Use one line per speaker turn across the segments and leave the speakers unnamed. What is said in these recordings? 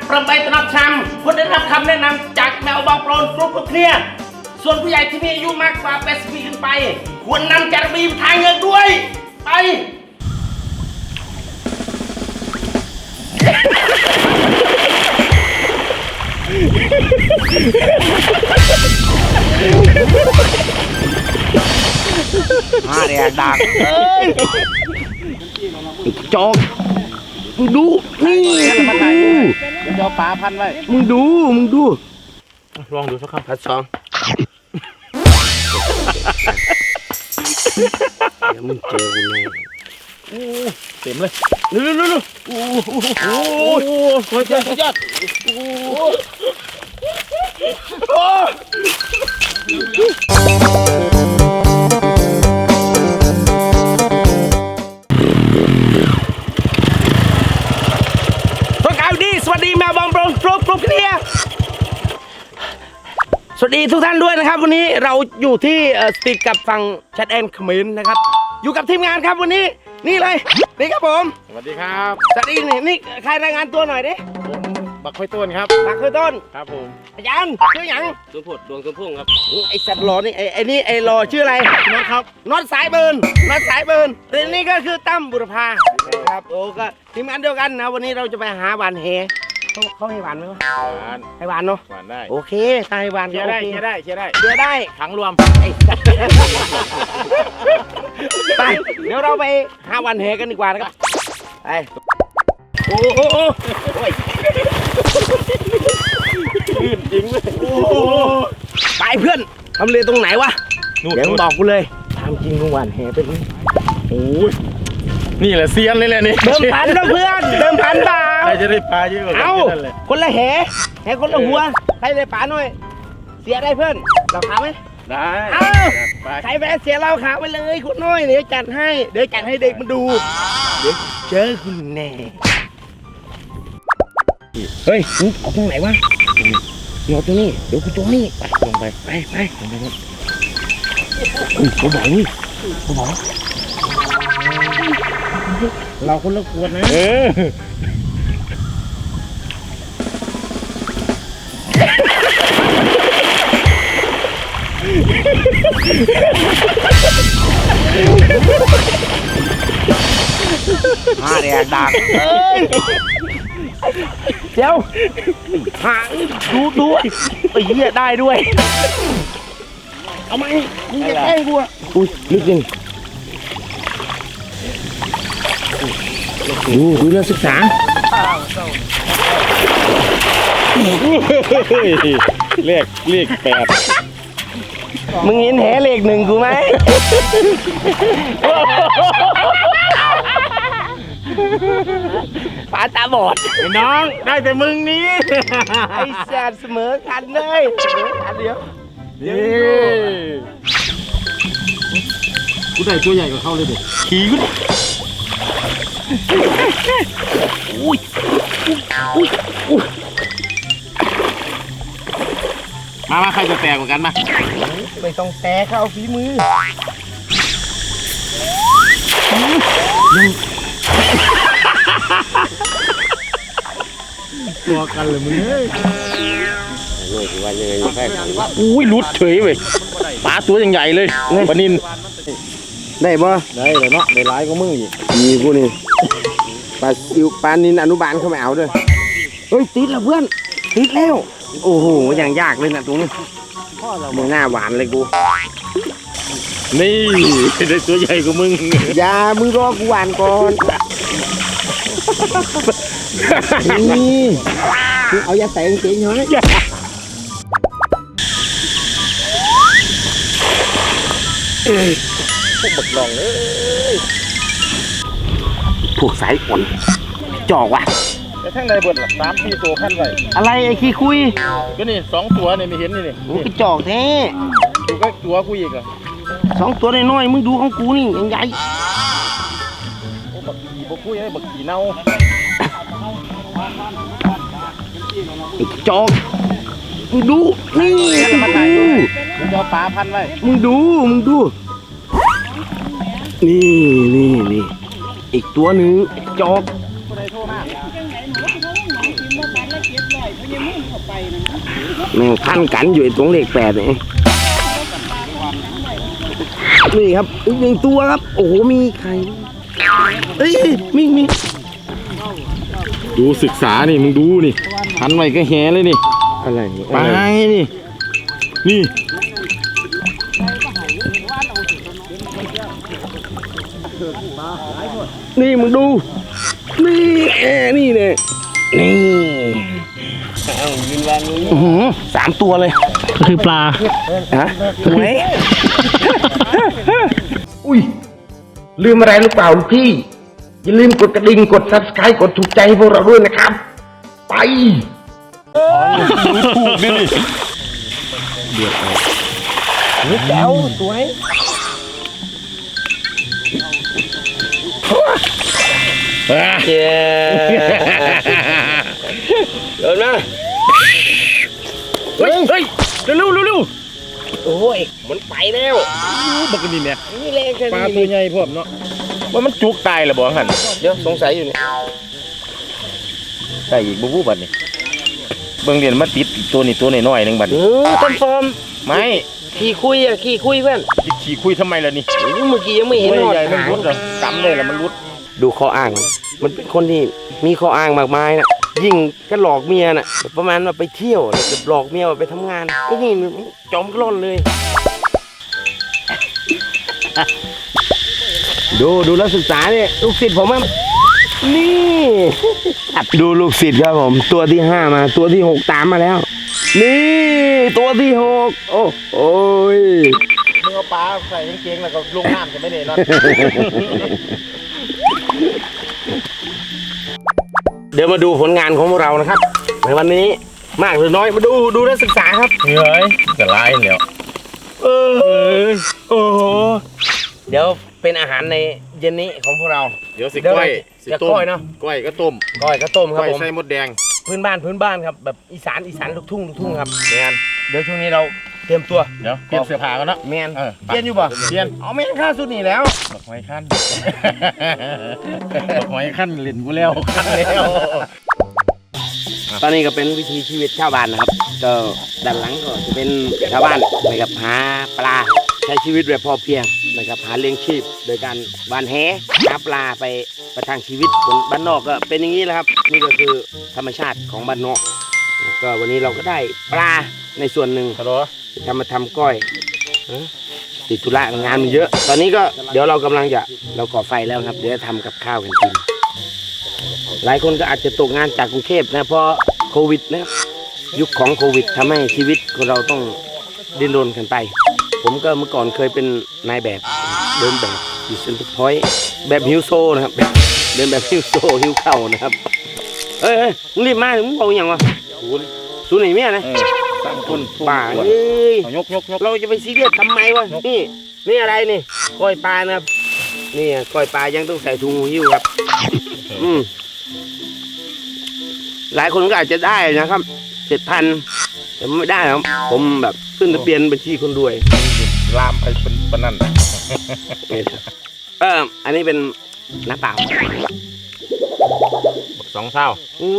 ประไปตนับชำคนได้รับคำแนะนำจากแมวบางโปรนฟลุกเคลียร์ส่วนผู้ใหญ่ที่มีอายุมากกว่า80 ปีขึ้นไปควรนำจารบีมทางเงินด้วยไปมาเรียกดังจอกมึงดูนี่มึงดู
เดี๋ยวปลาพันไว้
มึงดู
ลองดูสักคำ
พัดสองเดี๋ยวมึงเจอกูแน่
เต็มเลย
เร็วโอ้สุดยอดสวัสดีแมวบอมโปรฟลุกเคลียร์สวัสดีทุกท่านด้วยนะครับวันนี้เราอยู่ที่ติดกับฝั่งแชทแอนด์เขมรนะครับอยู่กับทีมงานครับวันนี้นี่เลยนี่ครับผม
สวัสดีครับ
สวัสดีนี่ใครรายงานตัวหน่อยดิ
บักค่อยต้นครับ
บักค่อยต้น
ครับผม
อาจารย์ชื่อหยัง
ดวงผดดวงสมพงษ์ครับ
ไอสัตว์หล่อนี่ไอ้นี่ไอ้หล่อชื่ออะไร
น็อตครับ
น็อตสายเบิร์นเรื่องนี้ก็คือตั้มบุรพาครับโอ้ก็ทีมงานเดียวกันนะวันนี้เราจะไปหาหวานแหเขาให้หวานไหมวะให้หวานเนาะ
หวานได้
โอเคถ้าให้หวาน
เชียร์
ได้
ถังรวม
ไปเดี๋ยวเราไปหาหวานแหกันดีกว่านะครับไปโอ้ย
ลื่นจริงเลย
ไปเพื่อนทำเลตรงไหนวะเดี๋ยวบอกกูเลยทำจริงหวานแหเป็น
โอ้ยนี่แหละเซียนเลยแหละนี่
เดิมพันนะเพื่อนเดิมพันเปล่า
ใครจะได้ปลาเยอะกว่า
กันเลยคนละแหคนละหัวใครได้ปลาหน่อยเสียได้เพื่อนเราขาไหม
ได้
ใครแพ้เสียเราขาไปเลยคุณน้อยเดี๋ยวจัดให้เด็กมาดูเดี๋ยวเจอคุณแน่เฮ้ยเอาตรงไหนวะเอาตรงนี้เดี๋ยวกูตรงนี้ไปลงไปเขาบอกเราคนละขวดนะมาเรียกดังเดี๋ยวหางดูไอ้เหี้ยได้ด้วยเอาไหมมึงจะแกล้งกูอ่ะอุ้ยลึกจริงดูเรื่องศึกษา
เลข8
มึงเห็นแหเลข1กูไหมปลาตาบอด
น้องได้แต่มึงนี้
ไอ้แสบเสมอกันเลยอันเดียว
กูได้ตัวใหญ่กว่าเขาเลยเด็กขี่กู
อุ้ย
มาใครจะแตกเหมือนกันมา
ไม่ต้องแตกเอาฝีมือ
ตัวกันเลยมึงเฮ้ย
อุ้ยหลุดเฉยเว้ย
ปลาตัวใหญ่เลยปลานิน
ได้ปะ
ได้เลยเนาะได้ร้ายก็มึงอีก
มีกูนี่ปลานินอนุบาลเขาไม่เอาด้วยเฮ้ยติดแล้วเพื่อนติดแล้วโอ้โหอย่างยากเลยนะตรงนี้มึงหน้าหวานเลยกู
นี่ได้ตัวใหญ่กว่ามึง
อย่ามึงรอกูหวานก่อนนี่เอายาใส่เสียงหน่อย
พวกบักลองเลย
พวกสายฝนจอกว่ะ
แต่ทั้งในบท3-4 ตัวพันไว้
อะไรไอ้ขี้คุย
ก็นี่2 ตัวนี่ไม่เห็นนี่
มึงไปจอกแท้
ดูก็ตัวกูอีกอ่ะ
2 ตัวน้อยๆมึงดูของกูนี่ยังใหญ่
โอ้บักขี่บักคุยไอ้บักขี่เน่า
ไอ้จอกมึงดูนี่
มึงเอาปลาพันไว้
มึงดูนี่อีกตัวหนึ่งจอกแม่งพันกันอยู่ตรงเลข8นี่นี่ครับอีกหนึ่งตัวครับโอ้โหมีไข่เอ้ยมี
ดูศึกษานี่มึงดูนี่พันไว้ก็แหเลยนี่
อะไร
ปลานี่นี่
นี่มึงดูนี่นี่เนี่ยนี่3 ตัวเลย
คือปลา
ฮะหวยอุ้ยลืมอะไรหรือเปล่าพี่อย่าลืมกดกระดิ่งกด Subscribe กดถูกใจให้พวกเราด้วยนะครับไป
ถูกนี่
แจ๋วสวยเจ๊เดินมาเฮ้ย
เร็ว
โอ้ยมันไปแล้ว
บักนี่เนี่ย
นี่แรงแค่
ปลา
นี้
ตัวใหญ่พร้อมเนาะว่ามันจุกตายแล้วบ่หัน
เดี๋ยวสงสัยอยู่เนี่ย
ได้อีกบูบัดนี่เบิ่งเรียนมาติดอีกตัวนี่ตัวน้อยๆนึงบัดนี้
ต้นฟอร์ม
ไม่
ขี่คุยเพื่อน
ขี่คุยทำไมล่ะนี่
เมื่อกี้ยังไม่เห็น
ตัว
หอด
ใหญ่มัน
หาง
รุดเหรอจำเลยแล้วมันรุด
ดูข้ออ้าง มันเป็นคนที่มีข้ออ้างมากมายนะยิ่งก็หลอกเมียน่ะประมาณว่าไปเที่ยวแล้วจะหลอกเมียว่าไปทำงานไอ้นี่จอมกล้อนเลย ดูแล้วศึกษาเนี่ยลูกศิษย์ผมครับนี่ดูลูกศิษย์ครับผมตัวที่5มาตัวที่6ตามมาแล้ว นี่ตัวที่6โอ้ย
มึงเอาปลาใส่กางเกงแล้วก็ลงน้ำจะไม่ได้นอน
เดี๋ยวมาดูผลงานของพวกเรานะครับในวันนี้มากหรือน้อยมาดูและศึกษาครับ
เฮ้ยจะไล่แล้วโอ้โห
เดี๋ยวเป็นอาหารในเย็นนี้ของพวกเรา
เดี๋ยวสิ
เดี๋ยว
ก้อย
เดี๋ยวก้อยเนอะ
ก้อยก็ต้ม
ก้อยข้าวต้มครับ
ก้อย
ผม
ใส่มดแดง
พื้นบ้านครับแบบอีสานลูกทุ่งครับ
แมน
เดี๋ยวช่วงนี้เราเตรียมตัว
เดี๋ยวเปลี่ยนเสื้อผ้ากันเนาะ
แมน
เออ
เปลี่ยนอยู่ป่ะ
เปลี่ยน
เอาแมนค่าสุดนี่แล้ว
ดอกไม้ขั้น ดอกไม้ขั้นเล่นกูแล้วขั้นแล้ว
ตอนนี้ก็เป็นวิถีชีวิตชาวบ้านนะครับก็ด้านหลังก็จะเป็นชาวบ้านนะครับหาปลาใช้ชีวิตแบบพอเพียงนะครับหาเลี้ยงชีพโดยการวานแหหาปลาไปประทังชีวิตคนบ้านนอกก็เป็นอย่างนี้แหละครับนี่ก็คือธรรมชาติของบ้านนอกก็วันนี้เราก็ได้ปลาในส่วนหนึ่ง
ฮัลโหล
มาทำก้อยติดธุระงานมันเยอะ ตอนนี้ก็เดี๋ยวเรากำลังจะเราก่อไฟแล้วครับเดี๋ยวจะทำกับข้าวกันกินหลายคนก็อาจจะตกงานจากกรุงเทพนะเพราะโควิดนะครับยุคของโควิดทำให้ชีวิตของเราต้องดิ้นรนกันไป ผมก็เมื่อก่อนเคยเป็นนายแบบเดินแบบอยู่เซ็นทรัลพอยต์แบบฮิวโซนะครับเดินแบบฮิวโซฮิวเข่านะครับเอ้ยมึงรีบมามึงเอาอย่างวะศูนย์ไหนเมียนะ
ตั้งคน
ป่าเอ้ย
ยก
เราจะไปซีเรียสทำไมวะนี่อะไรนี่ก้อยปลานะครับนี่ก้อยปลายังต้องใส่ถุงหิ้วครับหลายคนก็อาจจะได้นะครับ7,000แต่ไม่ได้ครับผมแบบขึ้นทะเบียนบัญชีคนรวย
ลามไปเป็นปนนั่น
อันนี้เป็นน้ำเปล่า
2 เท่า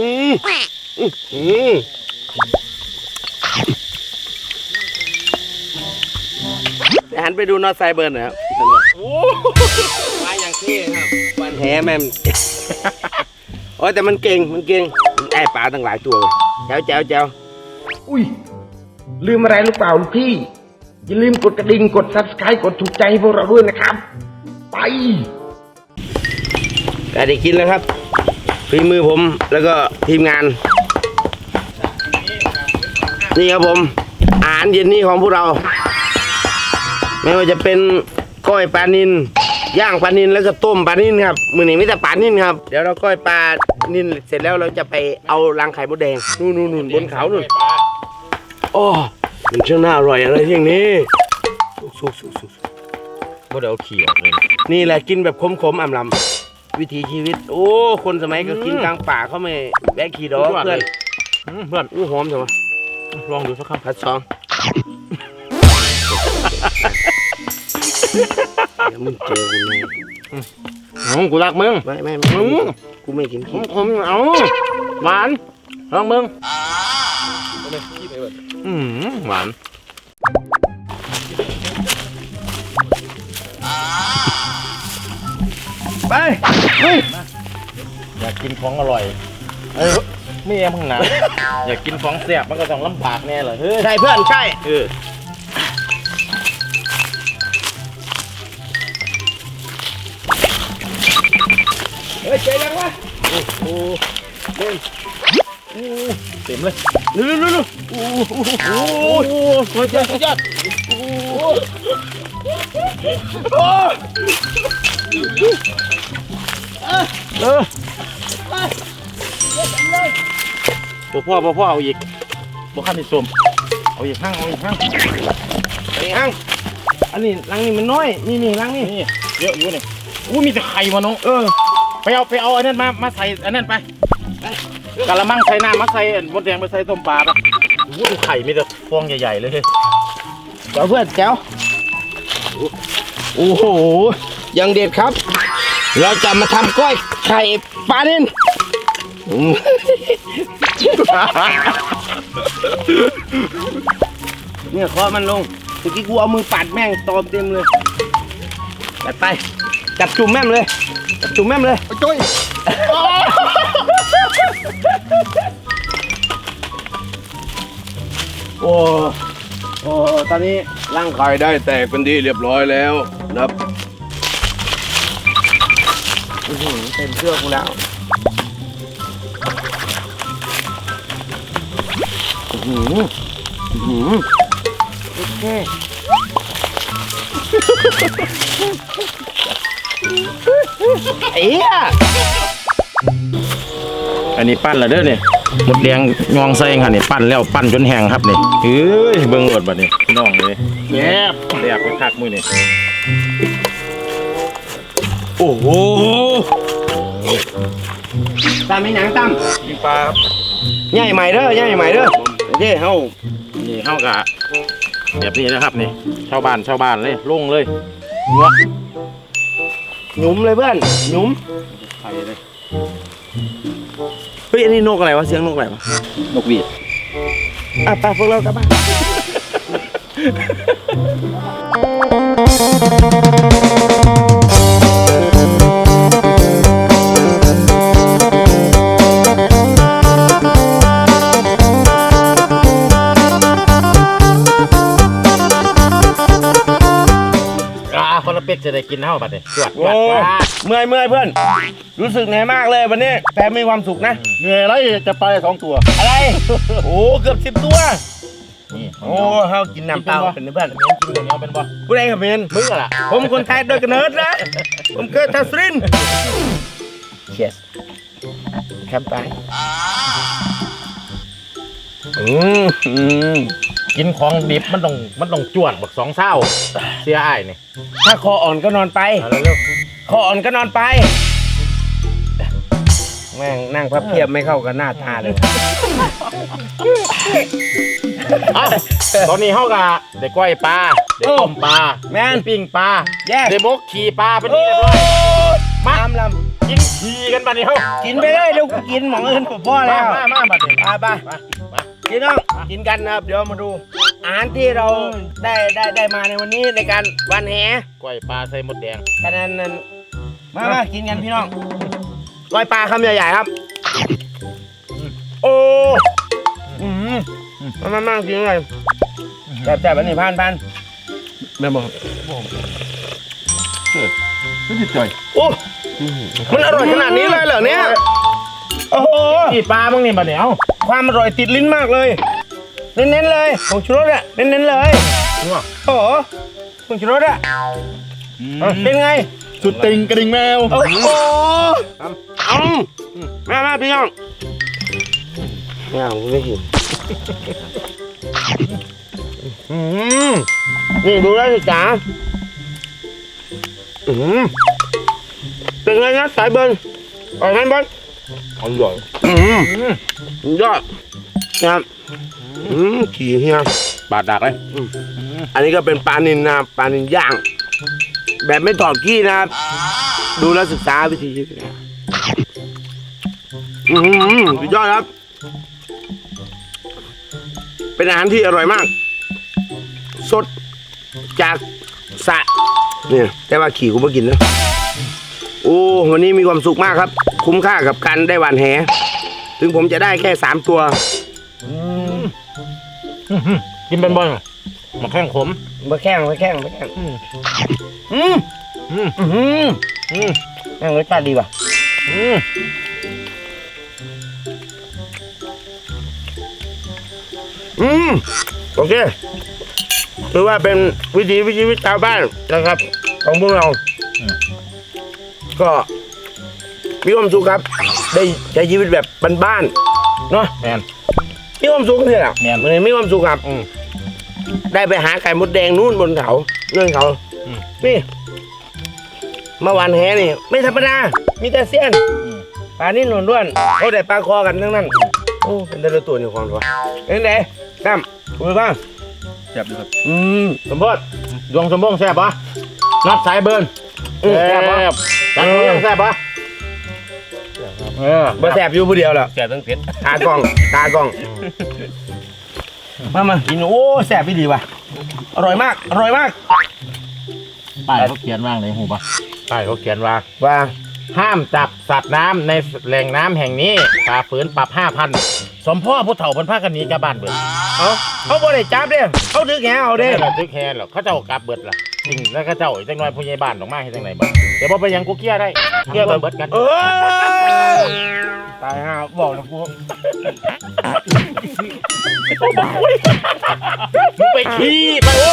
หันไปดูนอตไซเบิร์นนะครับมาอย่างเท่ครับวันแท้แม่มโอ้แต่มันเก่งได้ปลาตั้งหลายตัวแจ๋วอุ้ยลืมอะไรหรือเปล่าพี่อย่าลืมกดกระดิ่งกด Subscribe กดถูกใจให้พวกเราด้วยนะครับไปก็ได้กินแล้วครับฝีมือผมแล้วก็ทีมงานนี่ครับผมอาหารเย็นนี้ของพวกเราไม่ว่าจะเป็นก้อยปลานิลย่างปลานิลแล้วก็ต้มปลานิลครับมื้อนี้ไม่แต่ปลานิลครับเดี๋ยวเราก้อยปลานิลเสร็จแล้วเราจะไปเอารังไข่มดแดงนู่นบนเขานู่นโอ้มันช่างน่าอร่อยอะไรอย่างนี้สุก
บ่ได้เอาขี้ออกเลย
นี่แหละกินแบบขมๆอ่ำลำวิถีชีวิตโอ้คนสมัยก็กินกลางป่าเขาไม่แบกขี่ดอกเพื่อนหอมจังวะ
ลองดูสักคำ
พัดซองเดี๋ยวมึงเจอกูแน่
กูรักมึง
ไม่กูไม่กินขี้
ผมเอาหวานลองมึงหวานไปเฮ้ยอยากกินของอร่อยไม่แย่มึงนะอยากกินของแซ่บมันก็ต้องลำบากแน่เลยเฮ้ย
ใช่เพื่อนใช่ เฮ้ยเจ๊ยังวะ
โอ้เล่นเต็มเลย
เร็วโอ้โหสุดยอดสุดยอด
พ่อเอาอีกบ่ขั้นที่ส้มเอาอีกหั่ง
อันนี้ฮังอันนี้รังนี่มันน้อยนี่รังนี่
นี่เยอะอยู่นี่มีแต่ไข่มาน้องไปเอาอันนั้นมาใส่อันนั้นไปกะละมังใส่น้ำมาใส่มดแดงไปใส่ต้มปลาปะดูไข่มีแต่ฟองใหญ่ๆเลย
เจ้าเพื่อนแก้วโอ้โหยังเด็ดครับ เราจะมาทำก้อยไข่ปลาเน่นเนี่ยเคาะมันลงเมื่อกี้กูเอามือปัดแม่งตอมเต็มเลยจัดไปจับจุ่มแม่มเลยจับจุ่มแม่มเลยจ้อยโอ้ตอนนี้ร่างไข่ได้แตกเป็นที่เรียบร้อยแล้วนะครับเต็มเชือกกูแล้วโอเคไอ้เหี้ย
อันนี้ปั้นแล้วเด้อเนี่ยหมดแดงงองใส่ค่ะนี่ปั้นแล้วปั้นจนแห้งครับนี่เฮ้ยเบิ่งหมดบัดนี้พี่น้องเลยแย่แดกไปคักมือนี่
โอ้โหตามไม่หนังตาม
กินปลาครับ
ใหญ่ใหม่เด้อใหญ่ใหม่เด้อโอเคเฮา
นี่เข้ากะแบบนี้นะครับนี่ชาวบ้านเลยลงเลยงัว
หยุมเลยเพื่อนหยุม
ไข่เลย
เฮ้ยอันนี้นกอะไรวะเสียงนกอะไรวะ
นกหวีด
ไปพวกเรากลับบ้าน
คนละเป็กจะได้กินเท่าบัดนี้จวด
โอ้เมื่อยเพื่อนรู้สึกเหนื่อยมากเลยวันนี้แต่มีความสุขนะ
เหนื่อยไรจะไป2 ตัว
อะไรโอ้เกือบ10 ตัว
นี่
โอ้เฮากินน้ำเปล่าเป็นเพื่อน
เมียนกินเหนียวเป็นบ่
ผู้ใดกับเมน
มึงอะล่ะ
ผมคนไทยโดยกำเนิดนะผมเกิดทัสรินเชียสแคมไป
กินของดิบมันต้องจวดบัก2 เศร้าเสียอ้ายนี่
ถ้าคออ่อนก็นอนไป
เอาเร็ว
คออ่อนก็นอนไปแม่งนั่งพับเพียบไม่เข้ากับหน้าตาเลย
ตอนนี้เฮากะได้ก้อยปลาได้ต้มปลา
แม่น
ได้ปิ้งปลา
แย่
ได้มกขี่ปลาเป็นที่เรียบร้อยมา
ตามล
กินขี่กันบัดนี้เฮา
ำกินไปเลยเดี๋ยวกูกินหมองอื่นพ่อแล้ว
มาบัดนี้
ไป
มา
พี่น้องกินกันนะครับเดี๋ยวมาดูอาหารที่เราได้มาในวันนี้ในการวันแห
ก้อยปลาใส่มดแดง
กันนั้นมากินกันพี่น้องก้อยปลาคำใหญ่ๆครับโอ้มากินเลยแบบอันนี้พันแม่บอก
ไม่ติดจ่อย
โอ้มันอร่อยขนาดนี้เลยเหรอเนี่ยโอ้โห
ขี่ปลาบ้างนี่บัดนี้เอ้า
ความอร่อยติดลิ้นมากเลยเน้นๆเลยผงชูรสอะเน้นๆเลย
นัว
โอ้โหผงชูรสอะเป็นไง
สุดติงกระดิ่งแมว
โอ้โหมาพี่น้องไม่เอาไม่กินนี่ดูได้สิจ๋าเป็นไงนะสายเบิร์นอร่อยไหมบอล
อร่อย
ยอดนะครับขี่เฮีย
บาดดักเลย
อันนี้ก็เป็นปลานินนะปลานินย่าง แบบไม่ถอดขี้นะครับ ดูแลวศึกษาวิธีชีวิตสุดยอดครับเป็นอาหารที่อร่อยมาก สดจากสระเนี่ยแต่ว่าขี่กูไม่กินนะโอ้วันนี้มีความสุขมากครับ คุ้มค่ากับการได้หวานแหถึงผมจะได้แค่3 ตัว
กินเป็นบอลมาแข้งขม
มาแข้งแม่งรสชาติดีว่ะโอเคถือว่าเป็นวิถีชีวิตชาวบ้านนะครับ ของพวกเราก็มีความสุขครับ ได้ใช้ชีวิตแบบบ้านๆเนาะ
แมน
มีความสุขเนี่ยแหละ
แม่น
มันมีความสุขครับได้ไปหาไก่มดแดงนู่นบนเขาเนื่องเขานี่เมื่อวานแหนี่ไม่ธรรมดามีแต่เสี้ยนปลานี่หนวลด้วนเขาได้ปลาคอกันทั้งนั้นโอ้เป็นแต่ละตัวนี่ความตัวเป็นไงตั้มคุยบ้าง
แซ่บเลยครับ
สมบูรณ์
ดวงสมบงแซ่บปะนัดสายเบิร์น
แซ่บปะ
จัดตัวยังแซ่บปะ
บ่แซ่บอยู่ผู้เดียวแล้ว
แซ่บทั้งเผ็ด
ตากล้องมากินโอ้แซ่บพี่ดีว่ะอร่อยมาก
ป้ายเขาเขียนว่างเลยหูปะป้ายเขาเขียนว่า
ว่า
ห้ามจับสัตว์น้ำในแหล่งน้ำแห่งนี้ฝ่าฝืนปรับ 5,000 สมพ่อผู้เฒ่าเพิ่นพากันหนีกลับบ้านเบิด
เขาบ่ได้จับเด้เขาถือแหเอาเด้
ได้ตึกแฮนหรอกเขาเจ้ากลับเบิดล่ะจริงแล้วเขาเจ้าอีกจังน้อยผู้ใหญ่บ้านออกมาให้จังไหนบ้างเดี๋ยวบ่ไปหยังกูเกลี้ยได้เกลี้ยเบิดกัน
ตายห่าบอกนะกู
มึงไปขี้ไปโอ้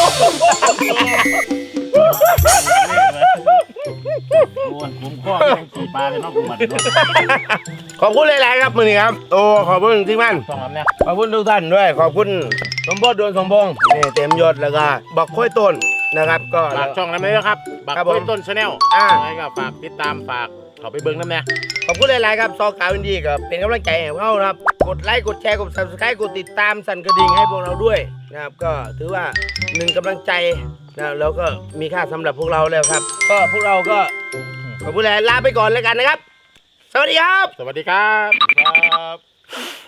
ผมข้อยังขี่ปลาเลยนอกกูมัน
ขอบคุณหลายๆครับมือนี้ครับโอ้ขอบคุณที่มั่น
ต้องทำเนี่ย
ขอบคุณทุกท่านด้วยขอบคุณสมบูรณ์ดวงสมพงษ์นี่เต็มยศแล้วก็บอกค่อยต้นนะครับ ก็
ฝากช่องนั้นไหมครับบัก
ครับ
กล้วย
ผม
ต้นชาแนล อะไรก็ฝากติดตามฝากเขาไปเบิ้งน้ำเนี่ย
ขอบคุณหลายๆครับซอกาวอินดี้ก็เป็นกำลังใจให้พวกเรานะครับกดไลค์กดแชร์กด subscribe กดติดตามสั่นกระดิ่งให้พวกเราด้วยนะครับก็ถือว่า1กำลังใจนะแล้วก็มีค่าสำหรับพวกเราแล้วครับ ก็พวกเราก็ขอบคุณหลายลาไปก่อนแล้วกันนะครับ สวัสดีครับ
สวัสดีครับ